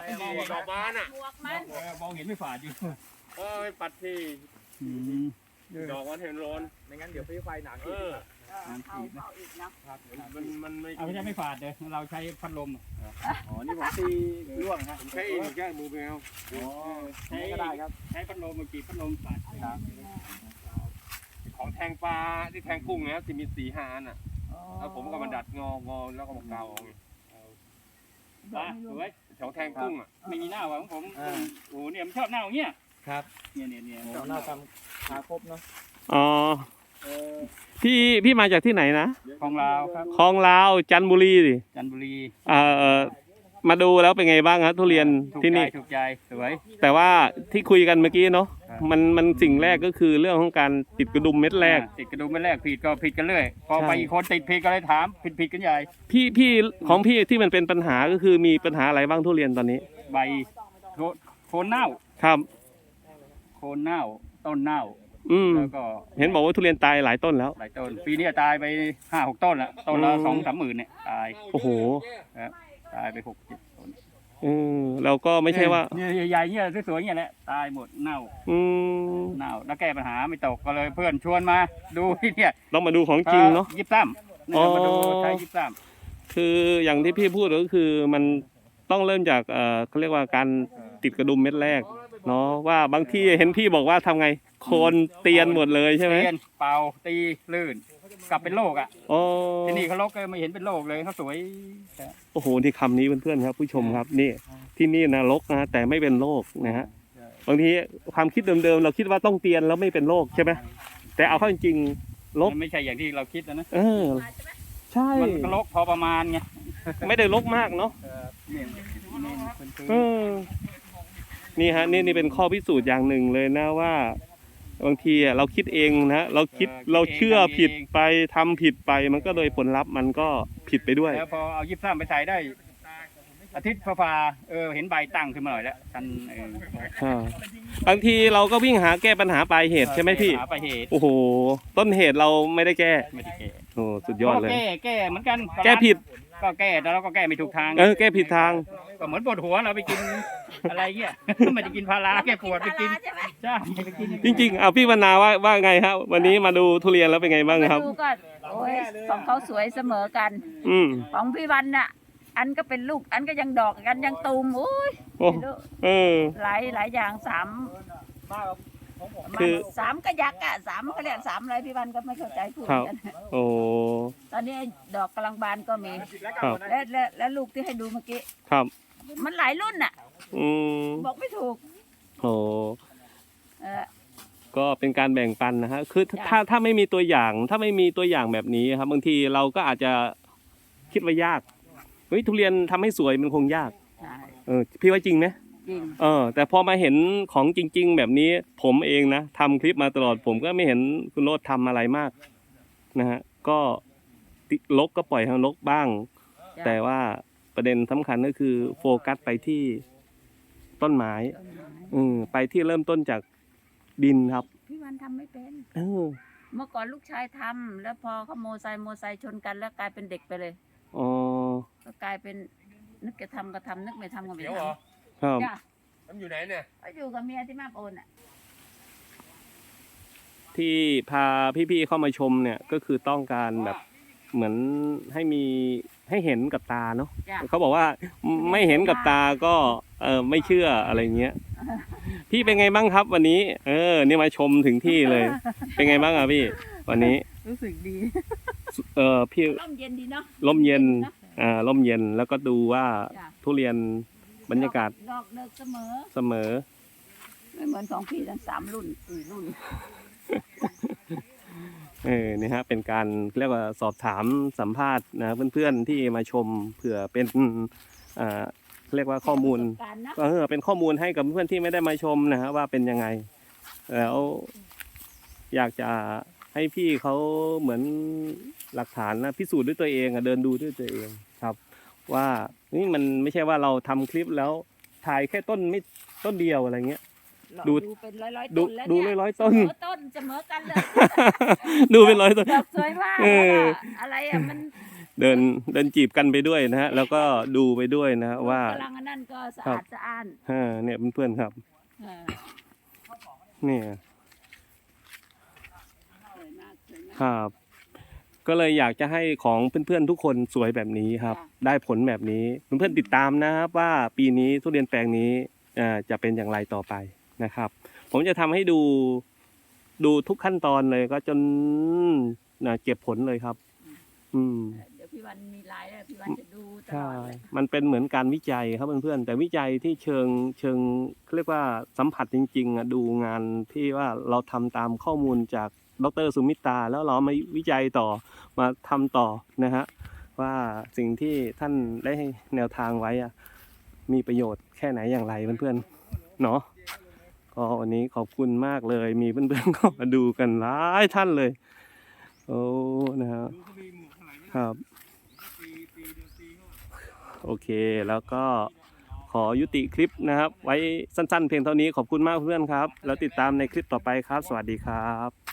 ดอกบานอ่ะหมวกมันมองเห็นไม่ฝาดอยู่ไม่ปัดที่ดอกมันเห็นร้อนไม่งั้นเดี๋ยวไฟหนักอีกเข้าอีกนะมันไม่เอาไม่ใช่ไม่ฝาดเลยเราใช้พัดลมอ๋อนี่ผมตีร่วงครับผมใช้เองแค่มือแมวใช้ก็ได้ครับใช้พัดลมเมื่อกี้พัดลมฝาดครับของแทงปลาที่แทงกุ้งนะที่มี4-5 อันอ่ะแล้วผมก็มาดัดงอแล้วก็มาเกาเอาปลาสวยของแทงกุ้งอ่ะไม่มีหน้าหวังผมโอ้เนี่ยมันชอบหน้าอย่างเงี้ยครับเนี่ยหน้าทำขาครบเนาะอ๋อพี่มาจากที่ไหนนะของเราครับคลองลาวจันทบุรีดิจันทบุรีมาดูแล้วเป็นไงบ้างครับทุเรียนถูกที่ใจนี่ถูกใจสวยแต่ว่าที่คุยกันเมื่อกี้เนาะครับมันสิ่งแรกก็คือเรื่องของการติดกระดุมเม็ดแรกติดกระดุมไม่แรกผิดก็ผิดกันเรื่อยพอใช่ไปอีกคนติดผิดก็เลยถามผิดกันใหญ่พี่ของพี่ที่มันเป็นปัญหาก็คือมีปัญหาอะไรบ้างทุเรียนตอนนี้ใบโคนเน่าครับโคนเน่าต้นเน่าอืมแล้วก็เห็นบอกว่าทุเรียนตายหลายต้นแล้วหลายต้นปีนี้ตายไป5-6 ต้นละต้นละอืม 2-3 หมื่นเนี่ยตายโอ้โหตายไป6-7 ต้นเราก็ไม่ใช่ว่าเนี่ยใหญ่ๆเนี่ยสวยๆเนี่ยแหละตายหมดเน่าอืมเน่าแล้วแก้ปัญหาไม่ตกก็เลยเพื่อนชวนมาดูที่เนี่ยต้องมาดูของจริงเนาะยิบซ้ำเนี่ยมาดูใช้ยิบซ้คืออย่างที่พี่พูดก็คือมันต้องเริ่มจากเขาเรียกว่าการติดกระดุมเม็ดแรกเนาะว่าบางที่เห็นพี่บอกว่าทำไงโคนเตียนหมดเลยำใช่ไหมเรียนเป่าตีลื่นกลับเป็นโรคอ่ะอ๋อที่นี่เขาลกไม่เห็นเป็นโรคเลยเขาสวยโอ้โหที่คำนี้เพื่อนๆครับผู้ชมครับนี่ที่นี่นะรกนะแต่ไม่เป็นโรคนะฮะบางทีความคิดเดิมๆเราคิดว่าต้องเตียนแล้วไม่เป็นโรคใช่ไหมแต่เอาเข้าจริงๆรกมันไม่ใช่อย่างที่เราคิดนะใช่มันก็ลกพอประมาณไงไม่ได้รกมากเนาะเนี่ยเออนี่ฮะนี่เป็นข้อพิสูจน์อย่างหนึ่งเลยนะว่า บางทีเราคิดเองนะเราเชื่อผิดไปทำผิดไปมันก็เลยผลลัพธ์มันก็ผิดไปด้วยแล้วพอเอายิบซ้ำไปใส่ได้ อาทิตย์ฟ้าเห็นใบตั้งขึ้นมาหน่อยแล้วกันบางทีเราก็วิ่งหาแก้ปัญหาปลายเหตุใช่ไหมพี่หาปลายเหตุโอ้โหต้นเหตุเราไม่ได้แก้ไม่ได้แก้โอ้สุดยอดเลยแก้เหมือนกันแก้ผิดก็แก้แต่เราก็แก้ไม่ถูกทางแก้ผิดทางก็เหมือนปวดหัวเราไปกินอะไรเงี้ย ไม่ได้กินพาราแก้ปวดไปกินใช่ไหมใช่ไปกินจริงๆเอาพี่วรรณาว่าไงครับวันนี้มาดูทุเรียนแล้วเป็นไงบ้างครับดูก็โอ้ยของเขาสวยเสมอกันอืมของพี่วันน่ะ อันก็เป็นลูก อันก็ยังดอกอันยังตูมโอ้ยโอ้หลายอย่าง3 คือ 3ก็ยักษ์อ่ะ3ก็เรียก3อะไรพี่วันก็ไม่เข้าใจพูดกันโอ้ตอนนี้ดอกกำลังบานก็มีครับและลูกที่ให้ดูเมื่อกี้ครับมันหลายรุ่นน่ะอืมบอกไม่ถูกโอ้เออก็เป็นการแบ่งปันนะฮะคือจ้ะถ้าไม่มีตัวอย่างถ้าไม่มีตัวอย่างแบบนี้ครับบางทีเราก็อาจจะคิดว่ายากเฮ้ยทุเรียนทำให้สวยมันคงยากใช่พี่ว่าจริงไหมจริงแต่พอมาเห็นของจริง ๆ แบบนี้ผมเองนะทำคลิปมาตลอดผมก็ไม่เห็นคุณโรจน์ทำอะไรมากนะฮะก็ลกก็ปล่อยให้ลกบ้างจ้ะแต่ว่าประเด็นสำคัญก็คือโฟกัสไปที่ต้นไม้ไปที่เริ่มต้นจากดินครับพี่วันทำไม่เป็นเออเมื่อก่อนลูกชายทำแล้วพอเขาโมไซค์ชนกันแล้วกลายเป็นเด็กไปเลยอ๋อก็กลายเป็นนึกจะทำก็ทำนึกไม่ทำก็ไม่เดี๋ยวทเหรอครับำจ้ะมันอยู่ไหนเนี่ยก็อยู่กับเมียที่มาบโอนอ่ะที่พาพี่ๆเข้ามาชมเนี่ยก็คือต้องการแบบเหมือนให้เห็นกับตาเนาะจ้ะเขาบอกว่าไม่เห็นกับตาก็ไม่เชื่ออะไรเงี้ย พี่เป็นไงบ้างครับวันนี้ นี่มาชมถึงที่เลย เป็นไงบ้างอ่ะพี่ วันนี้รู้สึกดีพี่ร่มเย็นดีเนาะร่มเย็นร่มเย็นแล้วก็ดูว่าจ้ะทุเรียนบรรยากาศดอกเลิกเสมอเสมอไม่เหมือนของพี่ทั้ง3 รุ่น 4 รุ่นนี่ฮะเป็นการเรียกว่าสอบถามสัมภาษณ์นะเพื่อนๆที่มาชมเผื่อเป็นเรียกว่าข้อมูลประสบการณ์นะเป็นข้อมูลให้กับเพื่อนที่ไม่ได้มาชมนะฮะว่าเป็นยังไงแล้วอยากจะให้พี่เขาเหมือนหลักฐานนะพิสูจน์ด้วยตัวเองเดินดูด้วยตัวเองครับ ว่านี่มันไม่ใช่ว่าเราทำคลิปแล้วถ่ายแค่ต้นเดียวอะไรเงี้ย ดูเป็นร้อยๆดูต้นแล้วดูเนี่ยร้อยๆต้นเสมอกันเลยดูเป็นร้อยต้นดอกสวยมากเออแล้วก็อะไรอ่ะมันเดินจีบกันไปด้วยนะฮะแล้วก็ดูไปด้วยนะว่ากำลังอันนั่นก็สะอาดสะอ้านเนี่ยเพื่อนๆครับเออเนี่ยสวยมากสวยมากครับก็เลยอยากจะให้ของเพื่อนๆทุกคนสวยแบบนี้ครับค่ะได้ผลแบบนี้เพื่อนๆติดตามนะครับว่าปีนี้ทุเรียนแปลงนี้จะเป็นอย่างไรต่อไปนะครับ ผมจะทำให้ดูทุกขั้นตอนเลยก็จนเก็บผลเลยครับเดี๋ยวพี่วันมีไลน์แล้วพี่วันจะดูตลใช่อดเลยมันเป็นเหมือนการวิจัยครับเพื่อนๆแต่วิจัยที่เชิงเขาเรียกว่าสัมผัสจริงๆดูงานที่ว่าเราทำตามข้อมูลจากดร.สุมิตราแล้วเรามาวิจัยต่อมาทำต่อนะฮะว่าสิ่งที่ท่านได้ให้แนวทางไว้มีประโยชน์แค่ไหนอย่างไรเพื่อนๆเนาะก็วันนี้ขอบคุณมากเลยมีเพื่อนๆก็มาดูกันหลายท่านเลยโอ้นะฮะครับโอเคแล้วก็ขอยุติคลิปนะครับ ไว้สั้นๆเพียงเท่านี้ขอบคุณมากเพื่อนครับแล้วติดตามในคลิปต่อไปครับ สวัสดีครับ